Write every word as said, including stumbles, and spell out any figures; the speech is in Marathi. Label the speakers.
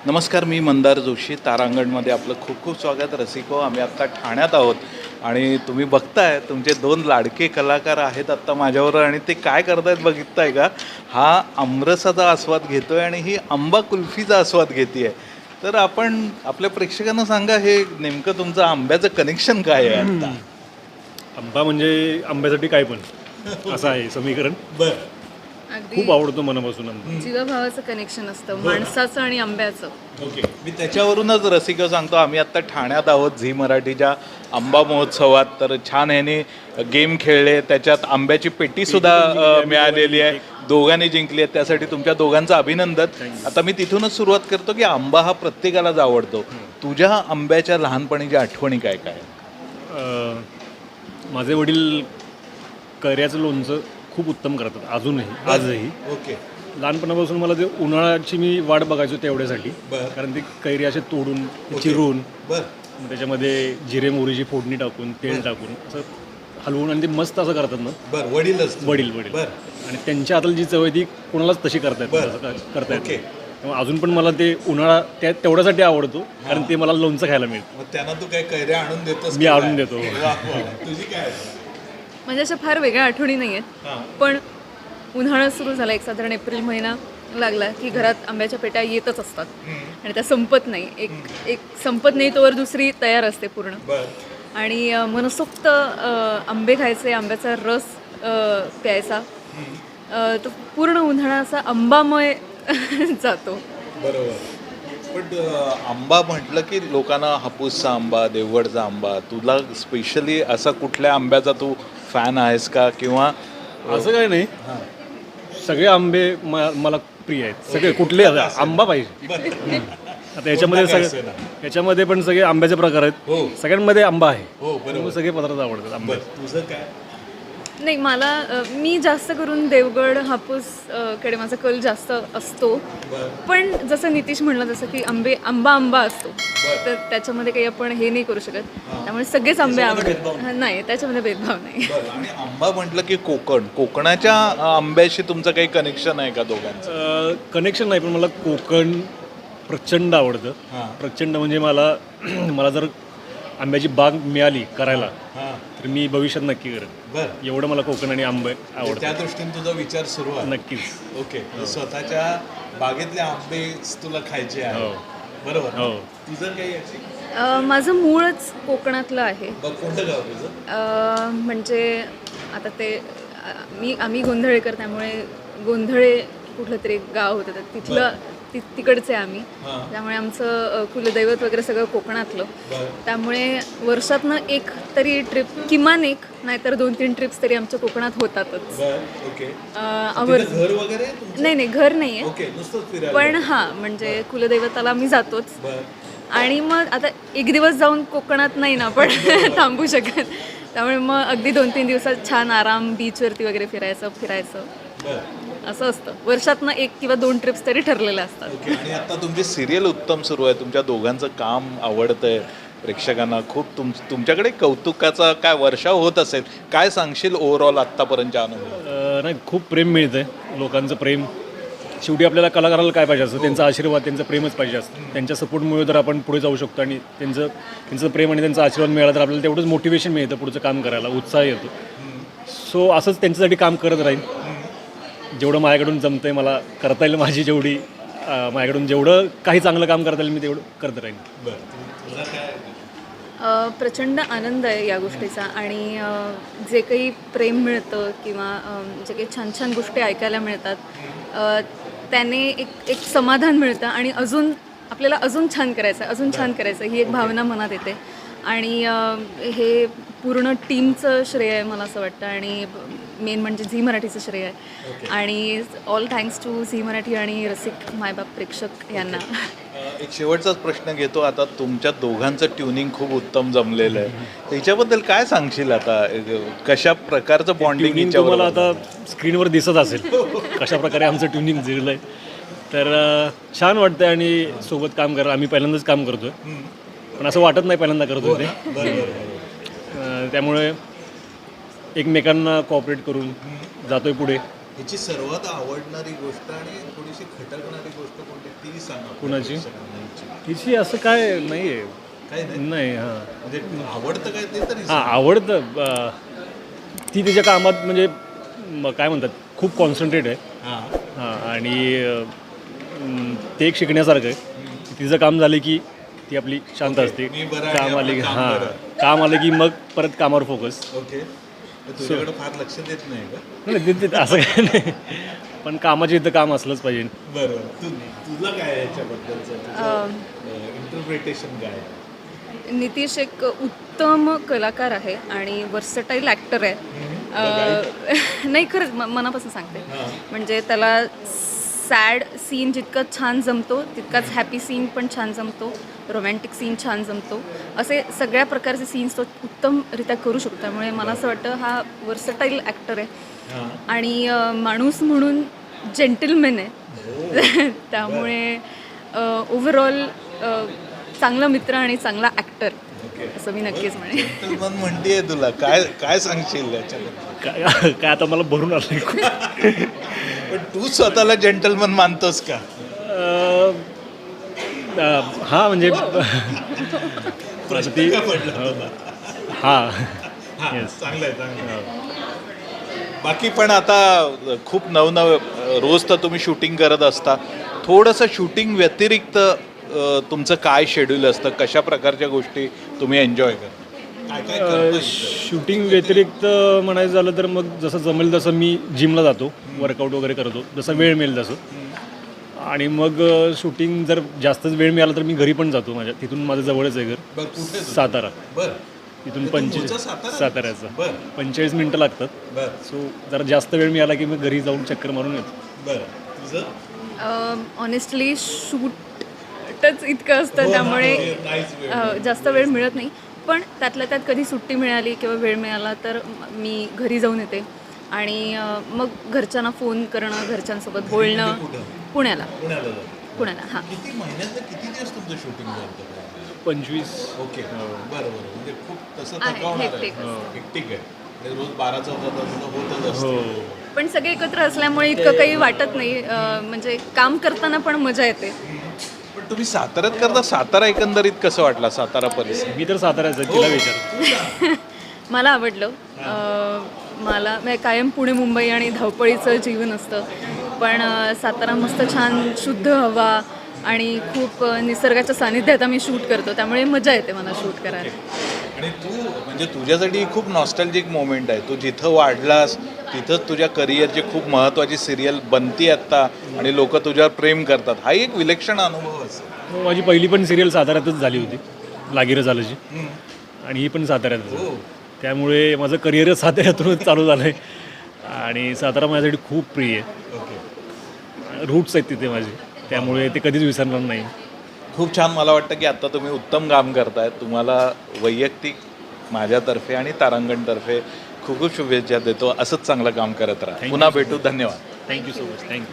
Speaker 1: नमस्कार, मी मंदार जोशी. तारांगणमध्ये आपलं खूप खूप स्वागत. रसिको, आम्ही आत्ता ठाण्यात आहोत आणि तुम्ही बघताय तुमचे दोन लाडके कलाकार आहेत आत्ता माझ्याबरोबर आणि ते काय करतायत बघताय का? हा आमरसाचा आस्वाद घेतोय आणि ही आंबा कुल्फीचा आस्वाद घेते आहे. तर आपण आपल्या प्रेक्षकांना सांगा, हे नेमकं तुमचं आंब्याचं कनेक्शन काय आहे आता?
Speaker 2: आंबा म्हणजे आंब्यासाठी काय पण असं आहे समीकरण.
Speaker 1: बरं,
Speaker 2: खूप आवडतो मनापासून आंबा.
Speaker 3: जीवाभावाचं कनेक्शन असतं माणसाचं आणि आंब्याचं.
Speaker 1: ओके. मी त्याच्यावरूनच रसिक सांगतो, आम्ही आत्ता ठाण्यात आहोत झी मराठीच्या आंबा महोत्सवात. तर छान ह्याने गेम खेळले, त्याच्यात आंब्याची पेटीसुद्धा अ, मिळालेली आहे, दोघांनी जिंकली आहे. त्यासाठी तुमच्या दोघांचं अभिनंदन. आता मी तिथूनच सुरुवात करतो की आंबा हा प्रत्येकालाच आवडतो. तुझ्या आंब्याच्या लहानपणीच्या आठवणी काय काय?
Speaker 2: अं, माझे वडील कैऱ्याचं लोणचं खूप उत्तम करतात अजूनही, आजही.
Speaker 1: ओके.
Speaker 2: लहानपणापासून मला ते उन्हाळ्याची मी वाट बघायचो तेवढ्यासाठी.
Speaker 1: बरं.
Speaker 2: कारण ती कैरी असे तोडून चिरून
Speaker 1: बरं.
Speaker 2: मग त्याच्यामध्ये जिरे मोहरीची फोडणी टाकून तेल टाकून असं हलवून आणि ते मस्त असं करतात ना.
Speaker 1: बरं, वडीलच
Speaker 2: वडील वडील आणि त्यांच्या हाताला जी चव आहे ती कोणालाच तशी करता येत असं करता येत. त्यामुळे अजून पण मला ते उन्हाळा त्या तेवढ्यासाठी आवडतो, कारण ते मला लोणचं खायला मिळतं.
Speaker 1: मग त्यांना तू काय कैऱ्या आणून देतोस?
Speaker 2: मी आणून देतो.
Speaker 1: तुझी काय?
Speaker 3: म्हणजे अशा फार वेगळ्या आठवणी नाही आहेत, पण उन्हाळा सुरू झाला, एक साधारण एप्रिल महिना लागला की घरात आंब्याच्या पेट्या येतच असतात आणि त्या संपत नाही. एक एक संपत नाही तोवर दुसरी तयार असते पूर्ण. आणि अ, मनसोक्त अ, आंबे खायचे, आंब्याचा रस अ, प्यायचा. अ, तो पूर्ण उन्हाळा असा आंबामय जातो.
Speaker 1: बरोबर. पण अ, आंबा म्हटलं की लोकांना हापूसचा आंबा, देवगडचा आंबा, तुला स्पेशली असा कुठल्या आंब्याचा तू फॅन आहेस का? किंवा
Speaker 2: असं काय नाही, सगळे आंबे म- मला प्रिय आहेत. सगळे कुठले आंबा पाहिजे. आता याच्यामध्ये सगळे याच्यामध्ये पण सगळे आंब्याचे प्रकार आहेत. सगळ्यांमध्ये आंबा आहे. त्यामुळे सगळे पदार्थ आवडतात आंबे.
Speaker 1: तुझं काय?
Speaker 3: नाही, मला अ, मी जास्त करून देवगड हापूस अ, कडे माझा कल जास्त असतो. पण जसं नितीश म्हणलं, जसं की आंबे आंबा आंबा असतो, तर त्याच्यामध्ये काही आपण हे नाही करू शकत. त्यामुळे सगळेच आंबे आवडतात. नाही, त्याच्यामध्ये भेदभाव नाही.
Speaker 1: आणि आंबा म्हटलं की कोकण, कोकणाच्या अ, आंब्याशी तुमचं काही कनेक्शन आहे का दोघांचं?
Speaker 2: कनेक्शन नाही, पण मला कोकण प्रचंड आवडतं. प्रचंड म्हणजे मला मला जर आंब्याची बाग मिळाली करायला तर मी भविष्यात नक्की करेन.
Speaker 1: बरं.
Speaker 2: एवढं मला कोकण आणि आंबे आवडतं.
Speaker 1: त्या दृष्टीने तुझा विचार सुरू आहे.
Speaker 2: नक्कीच.
Speaker 1: ओके. स्वतःच्या बागेतले आंबे तुला खायचे आहे.
Speaker 2: हो.
Speaker 1: बरोबर.
Speaker 2: हो.
Speaker 1: तुझं काही याची?
Speaker 3: अ, माझं मूळच कोकणातलं आहे.
Speaker 1: बघ, कोणतं गाव तुझं?
Speaker 3: अ, म्हणजे आता ते अ, मी आम्ही गोंधळेकर, त्यामुळे गोंधळे कुठलं तरी एक गाव होतं, तर तिथलं ति तिकडचे आम्ही. त्यामुळे आमचं अ, कुलदैवत वगैरे सगळं कोकणातलं. त्यामुळे वर्षातनं एक तरी ट्रिप, किमान एक नाहीतर दोन तीन ट्रिप्स तरी आमच्या कोकणात होतातच.
Speaker 1: ओके.
Speaker 3: अ, आवर
Speaker 1: घर वगैरे तुमचं?
Speaker 3: नाही नाही, घर नाही आहे,
Speaker 1: ओके, नुसतंच फिरायला.
Speaker 3: पण हां, म्हणजे कुलदैवताला आम्ही जातोच. आणि मग आता एक दिवस जाऊन कोकणात नाही ना आपण थांबू शकत, त्यामुळे मग अगदी दोन तीन दिवसात छान आराम, बीचवरती वगैरे फिरायचं फिरायचं असं असतं. वर्षातनं एक किंवा दोन ट्रिप्स तरी ठरलेल्या असतात.
Speaker 1: ओके. आणि आता तुमची सिरियल उत्तम सुरू आहे, तुमच्या दोघांचं काम आवडतंय प्रेक्षकांना खूप. तुम तुमच्याकडे कौतुकाचा काय वर्षाव होत असेल, काय सांगशील ओव्हरऑल आत्तापर्यंतच्या अनुभव?
Speaker 2: अं, नाही, खूप प्रेम मिळतं आहे, लोकांचं प्रेम. शेवटी आपल्याला कलाकाराला काय पाहिजे असतं? त्यांचा आशीर्वाद, त्यांचं प्रेमच पाहिजे असतं. त्यांच्या सपोर्टमुळे तर आपण पुढे जाऊ शकतो आणि त्यांचं त्यांचं प्रेम आणि त्यांचा आशीर्वाद मिळाला तर आपल्याला तेवढंच मोटिवेशन मिळतं पुढचं काम करायला, उत्साह येतो. सो असंच त्यांच्यासाठी काम करत राहीन. जेवढं माझ्याकडून जमतं आहे, मला करता येईल, माझी जेवढी अं, माझ्याकडून जेवढं काही चांगलं काम करता येईल मी तेवढं करत राहीन.
Speaker 3: अ, प्रचंड आनंद आहे या गोष्टीचा. आणि अ, जे काही प्रेम मिळतं किंवा अ, जे काही छान छान गोष्टी ऐकायला मिळतात, अ, त्याने एक एक समाधान मिळतं आणि अजून आपल्याला अजून छान करायचं, अजून छान करायचं ही एक भावना मनात येते. आणि अ, हे पूर्ण टीमचं श्रेय आहे मला असं वाटतं, आणि मेन म्हणजे झी मराठीचं श्रेय आहे. आणि all thanks to Zee Marathi आणि रसिक मायबाप प्रेक्षक यांना.
Speaker 1: एक शेवटचाच प्रश्न घेतो. आता तुमच्या दोघांचं ट्युनिंग खूप उत्तम जमलेलं आहे, त्याच्याबद्दल काय सांगशील? आता कशा प्रकारचं बॉन्डिंग
Speaker 2: ट्युनिंग तुम्हाला आता स्क्रीनवर दिसत असेल कशा प्रकारे आमचं ट्युनिंग जिरलं आहे. तर अं, छान वाटतं आणि सोबत काम करा. आम्ही पहिल्यांदाच काम करतो आहे, पण असं वाटत नाही पहिल्यांदा करतो ते. अं, त्यामुळे एकमेकांना कॉपरेट करून जातोय पुढे.
Speaker 1: ह्याची सर्वात आवडणारी गोष्ट आणि थोडीशी खटकणारी गोष्ट कोणती ती सांगा.
Speaker 2: कुणाची? तिची असं काय नाही आहे
Speaker 1: काही नाही
Speaker 2: नाही हां
Speaker 1: म्हणजे आवडतं काय ते तरी
Speaker 2: हां आवडतं अं, ती तिच्या कामात म्हणजे म- काय म्हणतात खूप कॉन्सन्ट्रेट आहे
Speaker 1: हां
Speaker 2: हां आणि अं, ते एक शिकण्यासारखं आहे तिचं काम झालं की ती आपली शांत असते
Speaker 1: मी बरं आहे,
Speaker 2: काम आले की
Speaker 1: आपलं काम
Speaker 2: हां
Speaker 1: बरं.
Speaker 2: काम आलं की मग परत कामावर फोकस
Speaker 1: ओके तुझ्याकडे फार लक्ष देत नाही का
Speaker 2: नाही ते- ते- असं काय नाही पण कामाच्या इथं काम असलंच पाहिजे
Speaker 1: बरं तू तुझं काय आहे याच्याबद्दलचं इंटरप्रिटेशन काय आहे?
Speaker 3: नितीश एक उत्तम कलाकार आहे आणि वर्सटाईल ॲक्टर आहे. अ, नाही खरंच म- मनापासून सांगते. म्हणजे त्याला सॅड सीन जितका छान जमतो तितकाच हॅपी सीन पण छान जमतो, रोमॅन्टिक सीन छान जमतो, असे सगळ्या प्रकारचे सीन्स तो उत्तमरित्या करू शकतो. त्यामुळे मला असं वाटतं हा वर्सटाईल ॲक्टर आहे आणि अ, माणूस म्हणून जेंटलमॅन आहे. त्यामुळे ओव्हरऑल चांगला मित्र आणि चांगला ॲक्टर असं मी नक्कीच म्हणेन.
Speaker 1: जेंटलमन म्हणतेय तुला काय काय सांगशील याच्याबद्दल
Speaker 2: काय काय आता मला भरून आलं खूप
Speaker 1: पण तू स्वतःला जेंटलमन मानतोस का
Speaker 2: अं, अं, हा म्हणजे ती हा येस
Speaker 1: चांगलं आहे चांगलं आहे. बाकी पण आता खूप नवनव रोज तर तुम्ही शूटिंग करत असता थोडंसं शूटिंग व्यतिरिक्त अ, तुमचं काय शेड्यूल असतं कशा प्रकारच्या गोष्टी तुम्ही एन्जॉय करता काय काय करता इथं?
Speaker 2: शूटिंग व्यतिरिक्त म्हणायचं झालं तर मग जसं जमेल तसं मी जिमला जातो वर्कआउट वगैरे करतो जसं वेळ मिळेल तसं आणि मग शूटिंग जर जास्तच वेळ मिळाला तर मी घरी पण जातो माझ्या तिथून माझं जवळच आहे घर
Speaker 1: बरं कुठे तुझं?
Speaker 2: सातारा
Speaker 1: बरं
Speaker 2: तिथून
Speaker 1: तू
Speaker 2: पंचवीस
Speaker 1: मूळचा सातारा?
Speaker 2: साताऱ्याचं
Speaker 1: बरं
Speaker 2: पंचेचाळीस मिनटं लागतात
Speaker 1: बरं
Speaker 2: सो जरा जास्त वेळ मिळाला की मी घरी जाऊन चक्कर मारून येतो
Speaker 1: बरं तुझं
Speaker 3: ऑनेस्टली शूटच इतकं असतं त्यामुळे
Speaker 1: नाहीच वेळ
Speaker 3: अ, जास्त वेळ मिळत नाही. पण त्यातल्या त्यात कधी सुट्टी मिळाली किंवा वेळ मिळाला तर म- मी घरी जाऊन येते आणि अ, मग घरच्यांना फोन करणं घरच्यांसोबत बोलणं.
Speaker 1: कुठं
Speaker 3: पुण्याला
Speaker 1: पुण्याला जातो
Speaker 3: पुण्याला हां.
Speaker 1: किती महिन्यातलं किती दिवस तुमचं शूटिंग झालं
Speaker 2: पंचवीस
Speaker 1: ओके बरं बरं म्हणजे खूप तसं
Speaker 3: आहे,
Speaker 1: थकवणार आहे
Speaker 3: hectic असतं.
Speaker 1: हेक्टिक आहे म्हणजे रोज बारा चौदा तासाचं होतच
Speaker 2: हो
Speaker 1: असतं
Speaker 3: पण सगळे एकत्र असल्यामुळे इतकं काही वाटत नाही. अ, म्हणजे काम करताना पण मजा येते.
Speaker 1: पण तुम्ही साताऱ्यात करता सातारा एकंदरीत कसं वाटला सातारा परिसर
Speaker 2: मी तर साताऱ्याचं आहे, तिला विचार
Speaker 3: मला आवडलं. अ, मला म्हणजे कायम पुणे मुंबई आणि धावपळीचं जीवन असतं पण अ, सातारा मस्त छान शुद्ध हवा आणि खूप अ, निसर्गाच्या सानिध्यात आम्ही शूट करतो त्यामुळे मजा येते मला शूट करायला.
Speaker 1: आणि तू म्हणजे तुझ्यासाठी ही खूप नॉस्टॅल्जिक मोमेंट आहे तू जिथं वाढलास तिथंच तुझ्या करिअरची खूप महत्त्वाची सिरियल बनती आत्ता आणि लोक तुझ्यावर प्रेम करतात हा एक विलक्षण अनुभव असेल.
Speaker 2: माझी पहिली पण सिरियल साताऱ्यातच झाली होती लागीर झाल्याची आणि ही पण साताऱ्यातच आहे. त्यामुळे माझं करिअरच साताऱ्यातूनच चालू झालं आहे आणि सातारा माझ्यासाठी खूप प्रिय आहे.
Speaker 1: ओके
Speaker 2: रूट्स आहेत तिथे माझे त्यामुळे ते कधीच विसरणार नाही.
Speaker 1: खूप छान मला वाटतं की आत्ता तुम्ही उत्तम काम करताय तुम्हाला वैयक्तिक माझ्यातर्फे आणि तारांगणतर्फे खूप खूप शुभेच्छा देतो असंच चांगलं काम करत राहा. पुन्हा भेटू धन्यवाद.
Speaker 2: Thank you so much thank you.